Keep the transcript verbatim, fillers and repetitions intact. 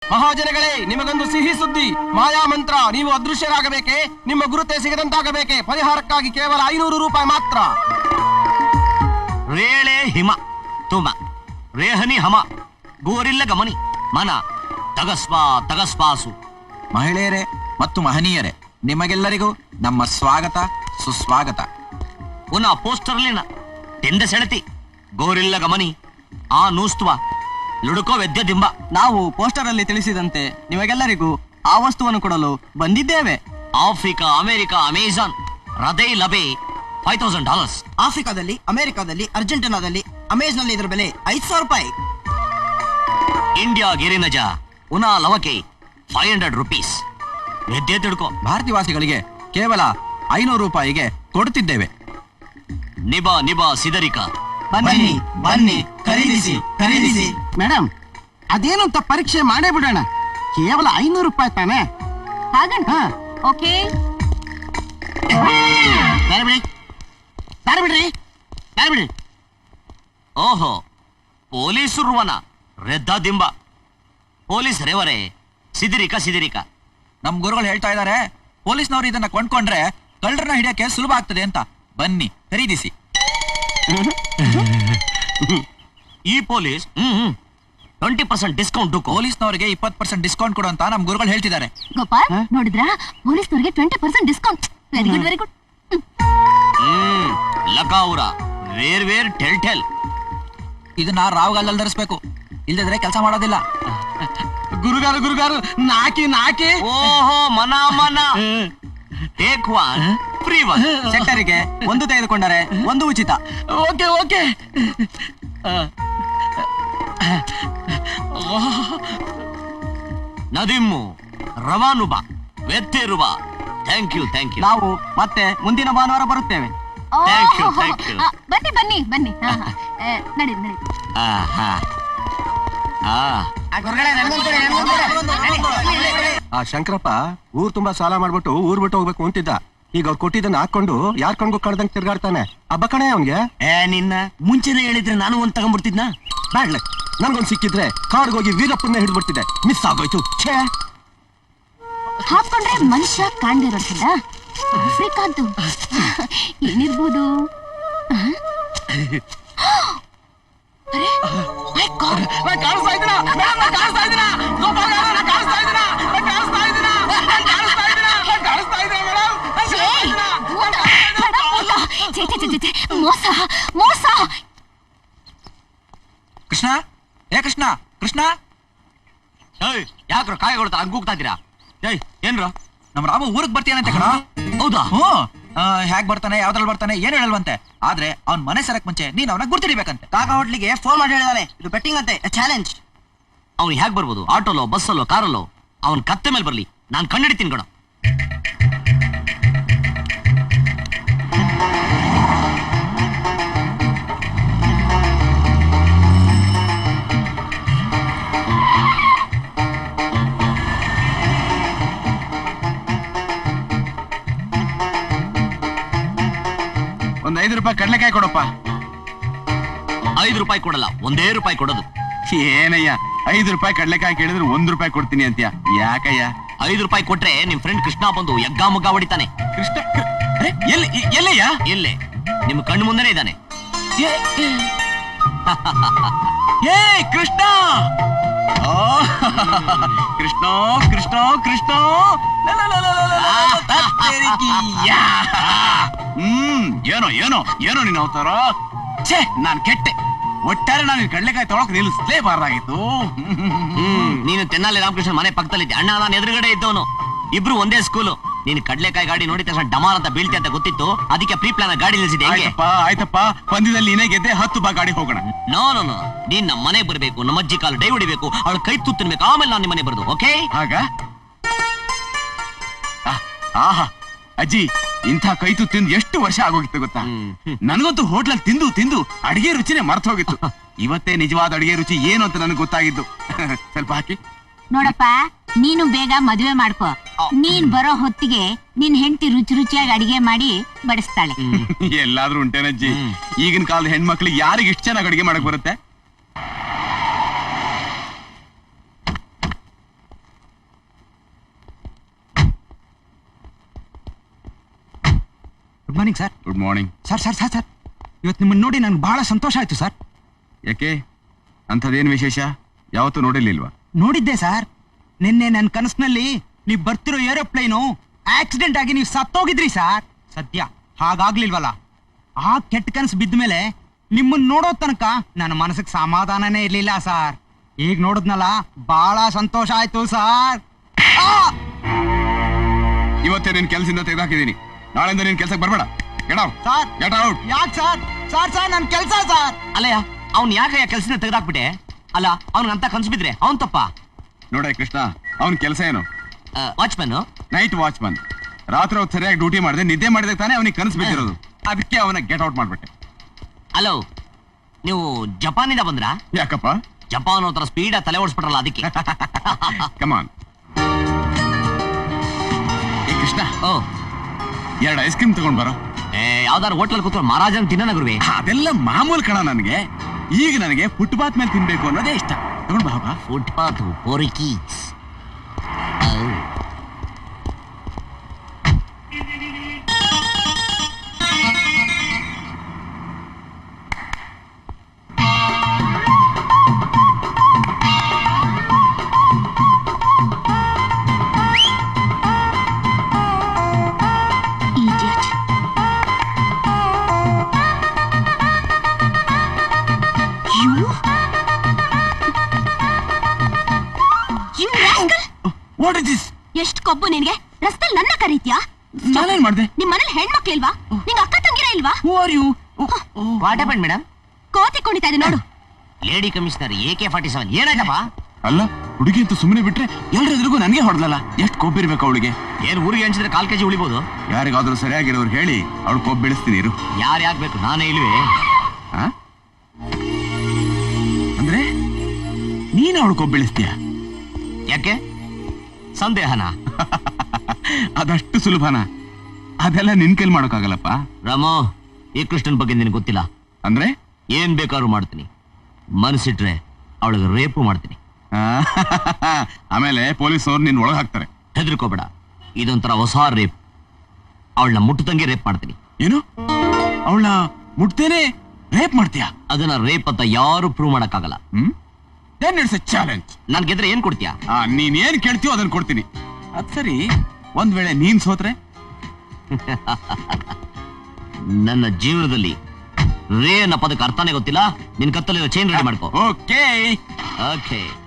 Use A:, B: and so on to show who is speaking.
A: ಮಹಾಜನಗಳೇ, ನಿಮಗೊಂದು ಸಿಹಿ ಸುದ್ದಿ. ಮಾಯಾ ಮಂತ್ರ. ನೀವು ಅದೃಶ್ಯರಾಗಬೇಕೆ? ನಿಮ್ಮ ಗುರುತೆ ಸಿಗದಂತಾಗಬೇಕೆ? ಪರಿಹಾರಕ್ಕಾಗಿ ಕೇವಲ ಐನೂರು ರೂಪಾಯಿ ಮಾತ್ರ.
B: ರೇಳೆ ಹಿಮ ತುಮ ರೇಹನಿ ಹಮ ಗೋರಿಲ್ಲ ಗಮನಿ ಮನ ತಗಸ್ವಾ ತಗಸ್ವಾಸು.
C: ಮಹಿಳೆಯರೇ ಮತ್ತು ಮಹನೀಯರೇ, ನಿಮಗೆಲ್ಲರಿಗೂ ನಮ್ಮ ಸ್ವಾಗತ ಸುಸ್ವಾಗತ.
B: ಪುನಃ ಪೋಸ್ಟರ್ಲಿನ ತೆಂದ ಸೆಳತಿ ಗೋರಿಲ್ಲ ಗಮನಿ ಆ ನೂಸ್ತುವ ಲುಡುಕೋ ವೆದ್ಯ ದಿಂಬ.
A: ನಾವು ಪೋಸ್ಟರ್ ಅಲ್ಲಿ ತಿಳಿಸಿದಂತೆ ನಿಮಗೆಲ್ಲರಿಗೂ ಆ ವಸ್ತುವನ್ನು ಕೊಡಲು ಬಂದಿದ್ದೇವೆ.
B: ಆಫ್ರಿಕಾ, ಅಮೆರಿಕ, ಅಮೆಜಾನ್, ಹೃದಯ ಲಬೆ ಫೈವ್ ತೌಸಂಡ್ ಡಾಲರ್ಸ್.
A: ಆಫ್ರಿಕಾದಲ್ಲಿ, ಅಮೆರಿಕಾದಲ್ಲಿ, ಅರ್ಜೆಂಟೀನಾದಲ್ಲಿ ಅಮೆಜಾನ್ ನಲ್ಲಿ ಇದರ ಬೆಲೆ ಐದು ಸಾವಿರ ರೂಪಾಯಿ.
B: ಇಂಡಿಯಾ ಗಿರಿನಜ ಉನಾ ಲವಕೆ ಫೈವ್ ಹಂಡ್ರೆಡ್ ರುಪೀಸ್. ವೆದ್ಯ ತಿಳ್ಕೊ.
C: ಭಾರತೀಯವಾಸಿಗಳಿಗೆ ಕೇವಲ ಐನೂರು ರೂಪಾಯಿಗೆ ಕೊಡುತ್ತಿದ್ದೇವೆ.
B: ನಿಬಾ ನಿಬಾ ಸಿದರಿಕ.
A: ಬನ್ನಿ ಬನ್ನಿ, ಖರೀದಿಸಿ ಖರೀದಿಸಿ. ಮೇಡಮ್, ಅದೇನು ಅಂತ ಪರೀಕ್ಷೆ ಮಾಡೇ ಬಿಡೋಣ. ಕೇವಲ ಐನೂರು ರೂಪಾಯಿ ತಾನೆ?
D: ಹಾಗಂತ ಓಕೆ.
A: ಬೇರೆ ಬಿಡಿ ಬೇರೆ ಬಿಡ್ರಿ ಬೇರೆ ಬಿಡ್ರಿ.
B: ಓಹೋ, ಪೊಲೀಸರುವನ ರೆದ್ದ ದಿಂಬ. ಪೊಲೀಸ್ ರೇವರೇ ಸಿದಿರಿಕ ಸಿದಿರಿಕ.
C: ನಮ್ ಗುರುಗಳು ಹೇಳ್ತಾ ಇದ್ದಾರೆ, ಪೊಲೀಸ್ನವರು ಇದನ್ನ ಕೊಂಡ್ಕೊಂಡ್ರೆ ಕಳ್ಳರನ್ನ ಹಿಡಿಯಕ್ಕೆ ಸುಲಭ ಆಗ್ತದೆ ಅಂತ. ಬನ್ನಿ ಖರೀದಿಸಿ.
B: ಈ ಪೊಲೀಸ್ ಟ್ವೆಂಟಿ ಪರ್ಸೆಂಟ್ ಡಿಸ್ಕೌಂಟ್.
C: ಪೊಲೀಸ್ನವರಿಗೆ ಇಪ್ಪತ್ತು ಪರ್ಸೆಂಟ್ ಡಿಸ್ಕೌಂಟ್ ಕೊಡು ಅಂತ ನಮ್ ಗುರುಗಳು ಹೇಳ್ತಿದ್ದಾರೆ.
D: ಗೋಪಾಲ್, ನೋಡಿದ್ರಾ? ಪೊಲೀಸ್ನವರಿಗೆ twenty percent discount. Very good very good.
B: Hmm ಲಕಾವುರ ವೇರ್ ವೇರ್ ಟೆಲ್ ಟೆಲ್.
C: ಇದನ್ನ ರಾವ್ಗಲ್ಲಲ್ಲಿ ಧರಿಸ್ಬೇಕು, ಇಲ್ದಿದ್ರೆ ಕೆಲಸ ಮಾಡೋದಿಲ್ಲ.
A: ಗುರುಗಾರು ಗುರುಗಾರು ನಾಕಿ ನಾಕಿ.
B: ಓಹೋ, ಮನ ಮನ. Take one free one.
A: ಸೆಕ್ಟರಿಗೆ ಒಂದು ತೆಗೆದುಕೊಂಡರೆ ಒಂದು ಉಚಿತ. Okay okay.
B: ನದಿಮ್ಮು ರವಾನುಬ ವೆತ್ತೇರುವ. Thank you thank you.
A: ನಾವು ಮತ್ತೆ ಮುಂದಿನ ಭಾನುವಾರ ಬರುತ್ತೇವೆ.
B: Thank you, thank you.
D: ಬನ್ನಿ ಬನ್ನಿ ಬನ್ನಿ. ನಡಿ ನಡಿ.
E: ಆ ಶಂಕರಪ್ಪ ಊರ್ ತುಂಬಾ ಸಾಲ ಮಾಡ್ಬಿಟ್ಟು ಊರ್ ಬಿಟ್ಟು ಹೋಗ್ಬೇಕು ಅಂತಿದ್ದ. ಈಗ ಅವ್ರು ಕೊಟ್ಟಿದ್ದನ್ನ ಹಾಕೊಂಡು ಯಾರ್ ಕಣ್ಗೂ ಕಾಣ್ದಂಗ್ ತಿರ್ಗಾಡ್ತಾನೆ. ಹಬ್ಬ ಕಣೆ ಅವನ್ಗೆ.
B: ಏ ನಿನ್ನ ಮುಂಚೆನೆ ಹೇಳಿದ್ರೆ ನಾನು ಒಂದ್ ತಗೊಂಡ್ಬಿಡ್ತಿದ್ನ.
E: ಬ್ಯಾಡ್ಲೆ, ನನ್ಗೊಂದ್ ಸಿಕ್ಕಿದ್ರೆ ಕಾಡ್ಗೋಗಿ ವೀರಪ್ಪನ್ನ ಹಿಡ್ಬಿಡ್ತಿದ್ದೆ. ಮಿಸ್ ಆಗೋಯ್ತು. ಛೇ,
D: ಹಾಕೊಂಡ್ರೆ ಮನುಷ್ಯ ಕಾಣ್ದಿರೋದಿಲ್ಲ. ಆಫ್ರಿಕಾದ್ದು ಏನಿರ್ಬೋದು? ಮೋಸ ಮೋಸ.
C: ಕೃಷ್ಣ, ಏ ಕೃಷ್ಣ ಕೃಷ್ಣ.
B: ಯಾಕ್ರ ಕಾಯಿ ಕೊಡ್ತಾ ಹಂಗ ಹೋಗ್ತಾ ಇದ್ದೀರಾ? ಏಯ್ ಏನ್ರ
C: ನಮ್ ರಾಮ ಊರಿಗೆ ಬರ್ತೀಯನಂತೆ ಕಣ.
B: ಹೌದಾ?
C: ಹ್ಮ್. ಹೇಗ್ ಬರ್ತಾನೆ, ಯಾವ್ದ್ರಲ್ಲಿ ಬರ್ತಾನೆ, ಏನು ಹೇಳಲ್ವಂತೆ. ಆದ್ರೆ ಅವ್ನ್ ಮನೆ ಸರಕ್ ಮುಂಚೆ ನೀನ್ ಅವನ ಗುರ್ತಿಡಿಬೇಕಂತೆ.
A: ಕಾಕಾ ಹೋಟ್ಲಿಗೆ ಫೋನ್ ಮಾಡಿ ಹೇಳಿದಾನೆ, ಇದು ಬೆಟ್ಟಿಂಗ್ ಅಂತೆ, ಚಾಲೆಂಜ್.
B: ಅವ್ನು ಹೇಗ್ ಬರ್ಬೋದು? ಆಟೋಲೋ, ಬಸ್ಸಲ್ಲೋ, ಕಾರಲ್ಲೋ? ಅವ್ನ್ ಕತ್ತೆ ಮೇಲೆ ಬರ್ಲಿ, ನಾನ್ ಕಂಡಿಡ್ತೀನಿ ಕಣ.
E: ಒಂದ್ ಐದು ರೂಪಾಯಿ ಕಡ್ಲೆಕಾಯಿ ಕೊಡಪ್ಪ.
B: ಐದು ರೂಪಾಯಿ ಕೊಡಲ್ಲ, ಒಂದೇ ರೂಪಾಯಿ ಕೊಡೋದು.
E: ಏನಯ್ಯ, ಐದು ರೂಪಾಯಿ ಕಡ್ಲೆಕಾಯಿ ಕೇಳಿದ್ರೆ ಒಂದ್ ರೂಪಾಯಿ ಕೊಡ್ತೀನಿ ಅಂತೀಯ, ಯಾಕಯ್ಯ?
B: ಐದು ರೂಪಾಯಿ ಕೊಟ್ರೆ ನಿಮ್ ಫ್ರೆಂಡ್ ಕೃಷ್ಣ ಬಂದು ಯಗ್ಗಾ ಮುಗ್ಗ ಹೊಡಿತಾನೆ.
E: ಕೃಷ್ಣ ಎಲ್ಲಿ ಎಲ್ಲಯ್ಯ?
B: ಎಲ್ಲೇ? ನಿಮ್ ಕಣ್ಣು ಮುಂದೆನೆ ಇದ್ದಾನೆ.
E: ಏ ಕೃಷ್ಣ, ಕೃಷ್ಣ ಕೃಷ್ಣ ಕೃಷ್ಣ. ಹ್ಮ್ ಏನೋ ಏನೋ ಏನೋ ನೀನ್ ಅವತಾರ. ಛೇ, ನಾನ್ ಕೆಟ್ಟೆ. ಒಟ್ಟಾರೆ ನಾನು ಕಡ್ಲೆಕಾಯಿ ತೊಳಕ್ ನಿಲ್ಲಿಸ್ಲೇಬಾರ್ದಾಗಿತ್ತು.
B: ಹ್ಮ್ ನೀನು ತೆನ್ನಾಲಿ ರಾಮಕೃಷ್ಣ ಮನೆ ಪಕ್ಕದಲ್ಲಿದ್ದೆ. ಅಣ್ಣ ನಾನು ಎದುರುಗಡೆ ಇದ್ದವನು. ಇಬ್ರು ಒಂದೇ ಸ್ಕೂಲು. ನೀನು ಕಡ್ಲೆಕಾಯಿ ಗಾಡಿ ನೋಡಿದ ತಕ್ಷಣ ಡಮಾರ್ ಅಂತ ಬೀಳ್ತಿ ಅಂತ ಗೊತ್ತಿತ್ತು. ಅದಕ್ಕೆ ಪ್ರೀ ಪ್ಲಾನ್ ಗಾಡಿ ನಿಲ್ಸಿದೆ.
E: ಆಯ್ತಪ್ಪ ಆಯ್ತಪ್ಪ, ಪಂದ್ಯದಲ್ಲಿ ನೀನೇ ಗೆದ್ದೆ, ಹತ್ತು ಬಾ ಗಾಡಿ ಹೋಗೋಣ.
B: ನೋ ನೋ ನೋ, ನೀನ್ ನಮ್ಮ ಮನೆ ಬರ್ಬೇಕು, ನಮ್ಮ ಅಜ್ಜಿ ಕಾಲು ಡೈ ಹೊಡಿಬೇಕು, ಅವಳ ಕೈ ತುತ್ತಿನ್ಬೇಕು, ಆಮೇಲೆ ನಾನು ನಿಮ್ಮ ಮನೆ ಬರೋದು. ಓಕೆ?
E: ಆಗ ಆಹಾ ಅಜ್ಜಿ, ಇಂಥ ಕೈತು ತಿಂದು ಎಷ್ಟು ವರ್ಷ ಆಗೋಗಿತ್ತು ಗೊತ್ತಾ? ನನಗಂತೂ ಹೋಟ್ಲಲ್ಲಿ ತಿಂದು ತಿಂದು ಅಡಿಗೆ ರುಚಿನೇ ಮರ್ತ ಹೋಗಿತ್ತು. ಇವತ್ತೇ ನಿಜವಾದ ಅಡಿಗೆ ರುಚಿ ಏನು ಅಂತ ನನಗೆ ಗೊತ್ತಾಗಿದ್ದು. ಸ್ವಲ್ಪ ಹಾಕಿ
D: ನೋಡಪ್ಪ, ನೀನು ಬೇಗ ಮದುವೆ ಮಾಡ್ಕೋ. ನೀನ್ ಬರೋ ಹೊತ್ತಿಗೆ ನಿನ್ ಹೆಂಡತಿ ರುಚಿ ರುಚಿಯಾಗಿ ಅಡಿಗೆ ಮಾಡಿ ಬಡಿಸ್ತಾಳೆ.
E: ಎಲ್ಲಾದ್ರೂ ಉಂಟೇನಜ್ಜಿ? ಈಗಿನ ಕಾಲದ ಹೆಣ್ಮಕ್ಳಿಗೆ ಯಾರಿಗೆ ಇಷ್ಟು ಚೆನ್ನಾಗಿ ಅಡಿಗೆ ಮಾಡಕ್ ಬರುತ್ತೆ?
A: Good morning sir.
E: Good morning.
A: Sir sir sir sir ಇವತ್ತು ನಿಮ್ಮನ್ನು ನೋಡಿ ನನ್ಗೆ ಬಹಳ ಸಂತೋಷ ಆಯ್ತು ಸರ್.
E: ಯಾಕೆ ಅಂಥದ್ದೇನು ವಿಶೇಷ? ಯಾವತ್ತೂ ನೋಡಿರ್ಲಿಲ್ವಾ?
A: ನೋಡಿದ್ದೆ ಸರ್. ನಿನ್ನೆ ನನ್ನ ಕನಸಿನಲ್ಲಿ ನೀವು ಬರ್ತಿರೋ ಏರೋಪ್ಲೇನು ಆಕ್ಸಿಡೆಂಟ್ ಆಗಿ ನೀವು ಸತ್ತೋಗಿದ್ರಿ ಸರ್. ಸದ್ಯ ಹಾಗಾಗ್ಲಿಲ್ವಲ್ಲ. ಆ ಕೆಟ್ಟ ಕನಸು ಬಿದ್ದ ಮೇಲೆ ನಿಮ್ಮನ್ನ ನೋಡೋ ತನಕ ನನ್ನ ಮನಸ್ಸಿಗೆ ಸಮಾಧಾನನೇ ಇರ್ಲಿಲ್ಲ ಸರ್. ಈಗ ನೋಡಿದ್ನಲ್ಲ ಬಹಳ ಸಂತೋಷ ಆಯ್ತು ಸರ್.
E: ಇವತ್ತೇ ನಿನ್ ಕೆಲಸದಿಂದ ತೆಗೆದಾಕಿದ್ದೀನಿ. ನಾಳೆಯಿಂದ ನಿನ್ ಕೆಲ್ಸಕ್ಕೆ ಬರ್ಬೇಡ. Get out
A: sir.
E: Get out.
A: ಯಾಕೆ ಸರ್? ಸರ್ ಸರ್ ನನ್ನ ಕೆಲಸ ಸರ್.
B: ಅಲ್ಲಯ್ಯ ಅವ್ನ್ ಯಾಕೆ ಕೆಲಸದಿಂದ ತೆಗೆದಾಕ್ಬಿಟ್ಟೆ? ಅಲ್ಲ ಅವ್ನಿಗಂತ ಕನ್ಸು ಬಿದ್ರೆ ಅವನ್ ತಪ್ಪ?
E: ನೋಡೇ ಕೃಷ್ಣ, ಅವನ್ ಕೆಲಸ ಏನು?
B: ವಾಚ್ಮನ್.
E: Night watchman. ರಾತ್ರಿ ಹೊತ್ತು ಸರಿಯಾಗಿ ಡ್ಯೂಟಿ ಮಾಡಿದೆ, ನಿದ್ದೆ ಮಾಡಿದಾಗ ತಾನೇ ಅವನಿಗೆ ಕನಸು ಬಿದ್ದಿರೋದು. ಅದಕ್ಕೆ ಅವನ ಗೆಟ್ ಔಟ್ ಮಾಡ್ಬಿಟ್ಟೆ.
B: ಹಲೋ, ನೀವು ಜಪಾನಿಂದ ಬಂದ್ರಾ?
E: ಯಾಕಪ್ಪ?
B: ಜಪಾನ್ ಒಂಥರ ಸ್ಪೀಡ್ ತಲೆ ಓಡಿಸ್ಬಿಟ್ರಲ್ಲ ಅದಕ್ಕೆ.
E: ಕಮಾನ್. ಏ ಕೃಷ್ಣ,
B: ಓ
E: ಎರಡು ಐಸ್ ಕ್ರೀಮ್ ತಗೊಂಡ್ ಬರೋ.
B: ಏ ಯಾವ್ದಾರು ಹೋಟ್ಲಲ್ಲಿ ಕೂತ್ಕೊಂಡು ಮಹಾರಾಜನ್ ತಿನ್ನೋಣ ಗುರುವೆ.
E: ಅದೆಲ್ಲ ಮಾಮೂಲು ಕಣ ನನಗೆ. ಈಗ ನನಗೆ ಫುಟ್ಪಾತ್ ಮೇಲೆ ತಿನ್ಬೇಕು ಅನ್ನೋದೇ ಇಷ್ಟ. ತಗೊಂಡ್ ಬಾ ಬಾ.
B: ಫುಟ್ಪಾತ್ ಪೋರಿಕಿ.
E: What is this?
D: ಎಷ್ಟು ಕೊಬ್ಬು ನಿನ್ಗೆ? ರಸ್ತೆಲ್ ನನ್ನ ಕರೀತ್ಯಾ?
E: ನಾನೇನ್ ಮಾಡ್ದೆ?
D: ನಿಮ್ ಮನೇಲಿ ಹೆಣ್ಮಕ್ಳು ಇಲ್ವಾ? ನಿಂಗೆ ಅಕ್ಕ ತಂಗಿರ ಇಲ್ವಾ?
E: Who are you?
B: What happen madam?
D: ಕೋತಿ ಕುಣಿತಾ ಇದೆ ನೋಡು.
B: Lady commissioner A K forty seven. ಏನಾಯ್ತಪ್ಪ?
E: ಅಲ್ಲ, ಹುಡುಗಿ ಅಂತ ಸುಮ್ಮನೆ ಬಿಟ್ರೆ ಎಲ್ರ ಎದುರಿಗೂ ನನಗೆ ಹೊಡೆದಲ್ಲ. ಎಷ್ಟು ಕೊಬ್ಬಿರ್ಬೇಕು ಅವಳಿಗೆ?
B: ಏನ್ ಊರಿಗೆ ಹಂಚಿದ್ರೆ ಕಾಲ್ ಕೆಜಿ ಉಳಿಬಹುದು.
E: ಯಾರಿಗಾದ್ರೂ ಸರಿಯಾಗಿರೋರು ಹೇಳಿ ಅವಳು ಕೊಬ್ಬು ಬೆಳೆಸ್ತೀನಿ ಇರು.
B: ಯಾರು ಯಾಕೆ ಬೇಕು, ನಾನೇ ಇಲ್ವೇ?
E: ಆ? ಅಂದ್ರೆ ನೀನು ಅವಳು ಕೊಬ್ಬು ಬೆಳೆಸ್ತೀಯ?
B: ಯಾಕೆ ಸಂದೇಹನ?
E: ಅದಷ್ಟು ಸುಲಭನ? ಅದೆಲ್ಲ ನಿನ್ ಕೈಲಿ ಮಾಡೋಕ್ಕಾಗಲ್ಲಪ್ಪ.
B: ರಾಮೋ, ಈ ಕೃಷ್ಣನ್ ಬಗ್ಗೆ ನಿನಗೆ ಗೊತ್ತಿಲ್ಲ.
E: ಅಂದ್ರೆ
B: ಏನ್ ಬೇಕಾದ್ರೂ ಮಾಡ್ತೀನಿ. ಮನಸ್ಸಿಟ್ರೆ ಅವಳಿಗೆ ರೇಪು ಮಾಡ್ತೀನಿ.
E: ಆಮೇಲೆ ಪೊಲೀಸವ್ರು ನಿನ್ ಒಳಗ್ ಹಾಕ್ತಾರೆ.
B: ಹೆದರ್ಕೋಬೇಡ, ಇದೊಂಥರ ಹೊಸ ರೇಪ್. ಅವಳನ್ನ ಮುಟ್ಟುತ್ತಂಗೆ ರೇಪ್ ಮಾಡ್ತೀನಿ.
E: ಏನು? ಅವಳನ್ನ ಮುಟ್ತೇನೆ ರೇಪ್ ಮಾಡ್ತೀಯಾ?
B: ಅದನ್ನ ರೇಪ್ ಅಂತ ಯಾರು ಪ್ರೂವ್ ಮಾಡಕ್ಕಾಗಲ್ಲ.
E: Hmm then it's a challenge.
B: ನನ್ ಗೆದ್ರೆ ಏನ್ ಕೊಡ್ತೀಯಾ?
E: ನೀನ್ ಏನ್ ಕೇಳ್ತೀಯೋ ಅದನ್ನ ಕೊಡ್ತೀನಿ. ಅದ್ ಸರಿ, ಒಂದ್ ವೇಳೆ ನೀನ್ ಸೋತ್ರೆ?
B: ನನ್ನ ಜೀವನದಲ್ಲಿ ರೇ ಅನ್ನೋ ಪದಕ್ಕೆ ಅರ್ಥನೇ ಗೊತ್ತಿಲ್ಲ. ನಿನ್ ಕತ್ತಲಿರೋ ಚೈನ್ ರೆಡಿ ಮಾಡ್ಕೋ.
E: Okay
B: okay